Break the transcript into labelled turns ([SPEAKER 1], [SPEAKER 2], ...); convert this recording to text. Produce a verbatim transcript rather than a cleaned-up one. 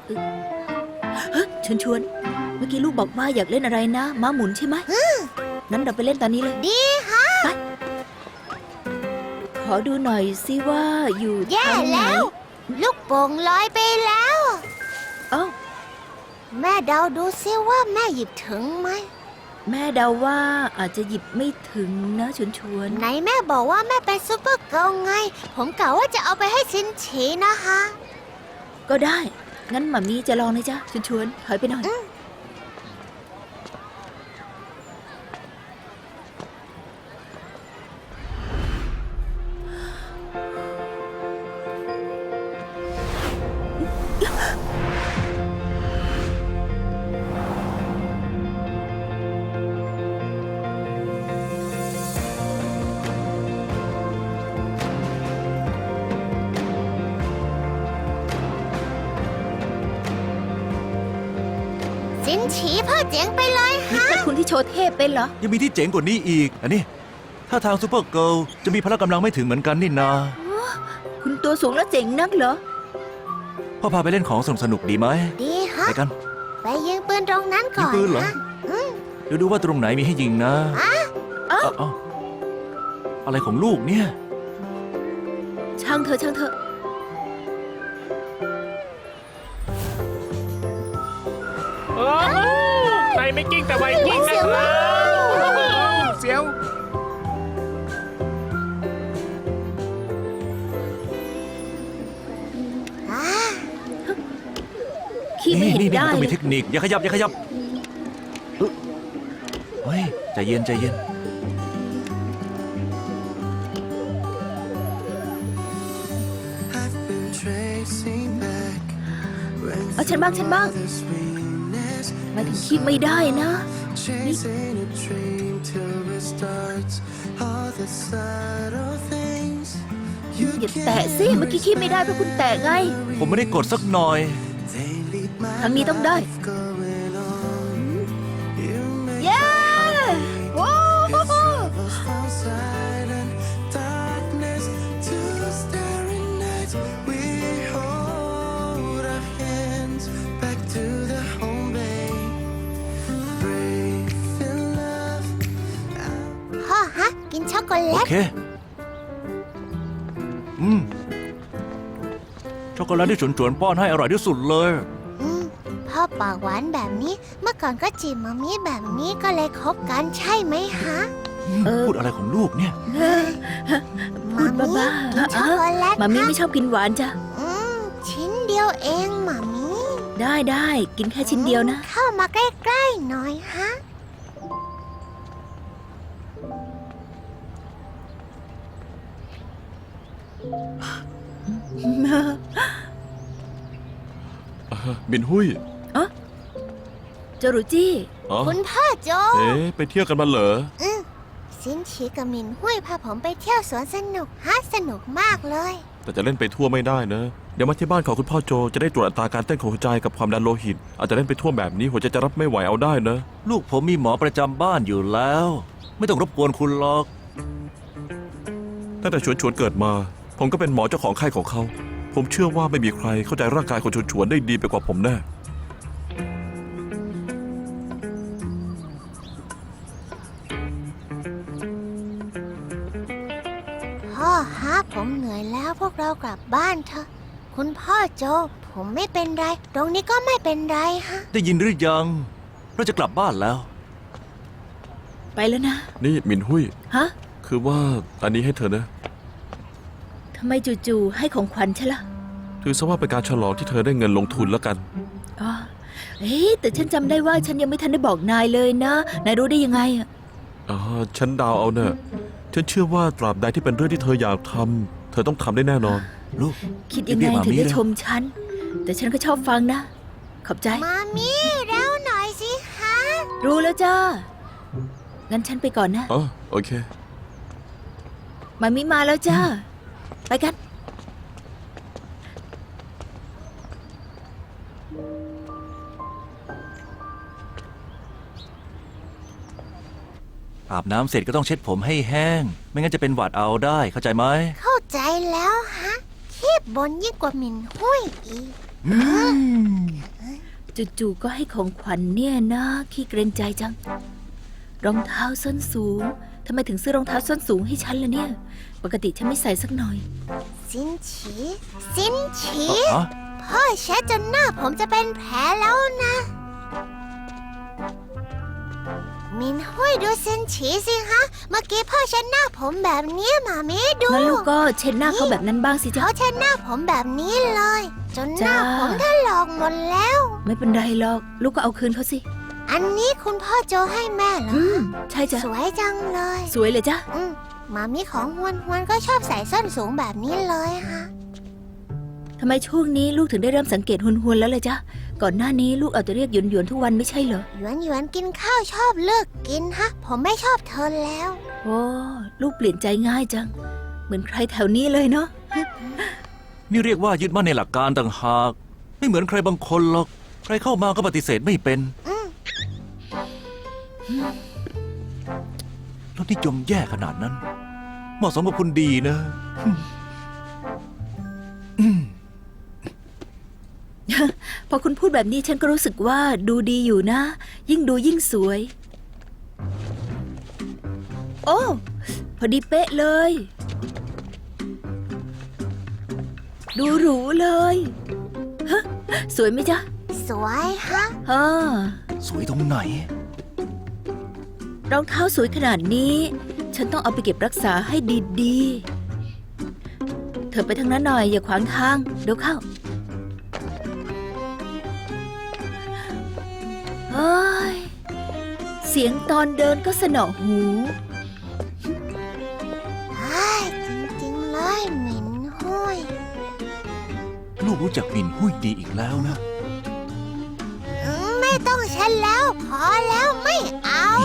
[SPEAKER 1] เฮ้ยชวนชวนเมื่อกี้ลูกบอกว่าอยากเล่นอะไรนะม้าหมุนใช่ไหมงั้นเราไปเล่นตอนนี้เลย
[SPEAKER 2] ดีฮะ
[SPEAKER 1] ไปขอดูหน่อยสิว่าอยู่
[SPEAKER 2] แย่
[SPEAKER 1] ทางไหน
[SPEAKER 2] แล้ว ลูกโป่งลอยไปแล้ว
[SPEAKER 1] เอ้า
[SPEAKER 2] แม่เดาดูซิว่าแม่หยิบถึงไหม
[SPEAKER 1] แม่เดาว่าอาจจะหยิบไม่ถึงนะชวนชวน
[SPEAKER 2] ไหนแม่บอกว่าแม่เป็นซูเปอร์เกิร์ลไง ผมกะว่าจะเอาไปให้ชินฉีนะคะ
[SPEAKER 1] ก็ได้งั้นหมามีจะลองนะจ๊ะชวนชวนถอยไปหน่อย
[SPEAKER 2] ชินฉีพ่อเจ๋งไปเลย
[SPEAKER 1] นี่
[SPEAKER 2] ฮะ
[SPEAKER 1] แค่คุณที่โชว์เทพเป็นเหรอ
[SPEAKER 3] ยังมีที่เจ๋งกว่านี้อีก อันนี้ถ้าทางซูเปอร์เกิร์ลจะมีพละกำลังไม่ถึงเหมือนกันนี่นา
[SPEAKER 1] คุณตัวสูงแล้วเจ๋งนักเหรอ
[SPEAKER 3] พ่อพาไปเล่นของสนุกสนุกๆดีไหม
[SPEAKER 2] ดีฮะ
[SPEAKER 3] ไปกัน
[SPEAKER 2] ไปยิงปืนตรงนั้นก่อน
[SPEAKER 3] ยิงปืนเหรอ
[SPEAKER 2] ฮะ
[SPEAKER 3] เดี๋ยวดูว่าตรงไหนมีให้ยิงนะ
[SPEAKER 1] อ้าว
[SPEAKER 3] เอ้าอะไรของลูกเนี่ย
[SPEAKER 1] ช่างเธอช่างเธอ
[SPEAKER 4] โอ้โหใครไม่กิ้งแต่ไวกิ้งนะครับเสียว
[SPEAKER 2] อ่า
[SPEAKER 1] ขี้ไม่
[SPEAKER 3] นี่
[SPEAKER 1] เห็น
[SPEAKER 3] นี่นี่
[SPEAKER 1] ได้
[SPEAKER 3] มันต้อง
[SPEAKER 1] เล
[SPEAKER 3] มี
[SPEAKER 1] ย
[SPEAKER 3] เทคนิค อย่าขยับ อย่าขยับเอ้ยเฮ้ย ใจเย็น ใจเย็น
[SPEAKER 1] เอาฉันบ้างฉันบ้างทำไมถึงขี้ไม่ได้นะนี่อย่าแตะสิเมื่อกี้ขี้ไม่ได้เพราะคุณแตะไง
[SPEAKER 3] ผมไม่ได้กดสักหน่อย
[SPEAKER 1] ทางนี้ต้องได้ เย้โอ้โห
[SPEAKER 2] พ่อฮะ กินช็อกโกแล
[SPEAKER 3] โอ
[SPEAKER 2] ต
[SPEAKER 3] เค อืม ช็อกโกแลตที่ฉุนๆป้อนให้อร่อยที่สุดเลย
[SPEAKER 2] อืมพ่อปากหวานแบบนี้ เมื่อก่อนก็จีบมามีแบบนี้ก็เลยคบกันใช่ไหมฮะ
[SPEAKER 3] พูดอะไรของลูกเนี่ย
[SPEAKER 1] พูดบ้า
[SPEAKER 2] กินช็อกโกแลต
[SPEAKER 1] ๆมามี
[SPEAKER 2] ฮะ
[SPEAKER 1] ไม่ชอบกินหวานจ้ะ
[SPEAKER 2] อืมชิ้นเดียวเองหมามี
[SPEAKER 1] ได้ได้กินแค่ชิ้นเดียวนะ
[SPEAKER 2] เข้ามาใกล้ๆหน่อยฮะ
[SPEAKER 5] บินหุ้ย
[SPEAKER 1] เจารุจี้
[SPEAKER 5] อ๋อ
[SPEAKER 2] คุณพ่อโจ
[SPEAKER 5] เอ๊ะไปเที่ยวกันมาเหรอ
[SPEAKER 2] อืมซินชีกับมินหุ้ยพาผมไปเที่ยวสวนสนุกฮะสนุกมากเลย
[SPEAKER 5] แต่จะเล่นไปทั่วไม่ได้นะ เดี๋ยวมาที่บ้านของคุณพ่อโจจะได้ตรวจอัตราการเต้นของหัวใจกับความดันโลหิต อาจจะเล่นไปทั่วแบบนี้หัวใจจะรับไม่ไหวเอาได้นะ
[SPEAKER 3] ลูกผมมีหมอประจำบ้านอยู่แล้ว ไม่ต้องรบกวนคุณหรอก
[SPEAKER 5] ตั้งแต่ชวนชวนๆเกิดมา ผมก็เป็นหมอเจ้าของไข้ของเขา ผมเชื่อว่าไม่มีใครเข้าใจร่างกายของชวนชวนๆได้ดีไปกว่าผมแน่
[SPEAKER 2] พ่อฮะผมเหนื่อยแล้วพวกเรากลับบ้านเถอะ คุณพ่อโจ ผมไม่เป็นไร ตรงนี้ก็ไม่เป็นไรฮะ
[SPEAKER 3] ได้ยินหรือยัง เราจะกลับบ้านแล้ว
[SPEAKER 1] ไปแล้วนะ
[SPEAKER 5] นี่มินหุ้ย
[SPEAKER 1] ฮะ
[SPEAKER 5] คือว่าอันนี้ให้เธอนะ
[SPEAKER 1] ทำไมจู่ๆให้ของขวัญฉันล่ะ
[SPEAKER 5] ถือซะว่าเป็นการฉลองที่เธอได้เงินลงทุนแล้วกัน
[SPEAKER 1] อ๋อเอ๊ะแต่ฉันจำได้ว่าฉันยังไม่ทันได้บอกนายเลยนะ นายรู้ได้ยังไงอะ
[SPEAKER 5] อ๋อ ฉันเดาวเอาเนอะฉันเชื่อว่าตราบใดที่เป็นเรื่องที่เธออยากทำเธอต้องทำได้แน่นอน
[SPEAKER 3] ลูก
[SPEAKER 1] คิดยังไง
[SPEAKER 3] เรียกหมา
[SPEAKER 1] ถึง
[SPEAKER 3] มี
[SPEAKER 1] ได้
[SPEAKER 3] เลย
[SPEAKER 1] ชมฉัน แต่ฉันก็ชอบฟังนะ ขอบใจ
[SPEAKER 2] มามีเร็วหน่อยสิฮะ
[SPEAKER 1] รู้แล้วจ้า งั้นฉันไปก่อนนะ
[SPEAKER 5] อ๋อ โอเค
[SPEAKER 1] มามิมาแล้วจ้า ไปกัน
[SPEAKER 3] อาบน้ำเสร็จก็ต้องเช็ดผมให้แห้ง ไม่งั้นจะเป็นหวัดเอาได้ เข้าใจไหม
[SPEAKER 2] เข้าใจแล้วฮะ คีบบนยิ่งกว่ามินหุ้ยอีก
[SPEAKER 3] อืม
[SPEAKER 1] จู่ๆก็ให้ของขวัญเนี่ยนะขี้เกรงใจจัง รองเท้าส้นสูงทำไมถึงซื้อรองเท้าส้นสูงให้ฉันล่ะเนี่ย ปกติฉันไม่ใส่สักหน่อย
[SPEAKER 2] สินฉีสินฉี
[SPEAKER 3] ฮะ
[SPEAKER 2] พ่อเช็ดจนหน้าผมจะเป็นแผลแล้วนะมินห้วยดูสินฉีสิฮะ เมื่อกี้พ่อเช็ดหน้าผมแบบนี้หมามิดู
[SPEAKER 1] งั้นลูกก็เช็ดหน้าเขาแบบนั้นบ้างสิจ๊ะ
[SPEAKER 2] เขาเช็ดหน้าผมแบบนี้เลย จนหน้า
[SPEAKER 1] จ้า
[SPEAKER 2] ผมถลอกหมดแล้ว
[SPEAKER 1] ไม่เป็นไรหรอก ลูกก็เอาคืนเขาสิ
[SPEAKER 2] อันนี้คุณพ่อโจให้แม่เหรอ
[SPEAKER 1] อืม ใช่จ้ะ
[SPEAKER 2] สวยจังเลย
[SPEAKER 1] สวยเลยจ้ะ
[SPEAKER 2] อืมหมามีของฮวนฮวนก็ชอบใส่ส้นสูงแบบนี้เลยฮะ
[SPEAKER 1] ทำไมช่วงนี้ลูกถึงได้เริ่มสังเกตหุนหวนๆแล้วเลยจ๊ะ ก่อนหน้านี้ลูกเอาแต่เรียกหยวนหยวนๆทุกวันไม่ใช่เหรอ
[SPEAKER 2] หยวนหยวนกินข้าวชอบเลิกกินฮะ ผมไม่ชอบเธอแล้ว
[SPEAKER 1] โอ้ลูกเปลี่ยนใจง่ายจัง เหมือนใครแถวนี้เลยเนาะ
[SPEAKER 3] นี่เรียกว่ายึดมั่นในหลักการต่างหาก ไม่เหมือนใครบางคนหรอก ใครเข้ามาก็ปฏิเสธไม่เป็น
[SPEAKER 2] อืม
[SPEAKER 3] รสนิยมแย่ขนาดนั้น เหมาะสมกับคุณดีนะอืม
[SPEAKER 1] พอคุณพูดแบบนี้ฉันก็รู้สึกว่าดูดีอยู่นะ ยิ่งดูยิ่งสวย โอ้พอดีเป๊ะเลย ดูหรูเลยฮะสวยไหมจ๊ะ
[SPEAKER 2] สวยฮะ
[SPEAKER 1] ฮ่า
[SPEAKER 3] สวยตรงไหน
[SPEAKER 1] รองเท้าสวยขนาดนี้ ฉันต้องเอาไปเก็บรักษาให้ดีๆ เธอไปทางนั้นหน่อยอย่าขวางทางเดี๋ยวเข้าเฮ้ยเสียงตอนเดินก็สนอหู
[SPEAKER 2] ใช่จริงๆเลยหมินห้วย
[SPEAKER 3] ลูกรู้จักหมินหุ้ยดีอีกแล้วนะ
[SPEAKER 2] อืมไม่ต้องเช็ดแล้ว พอแล้วไม่เอา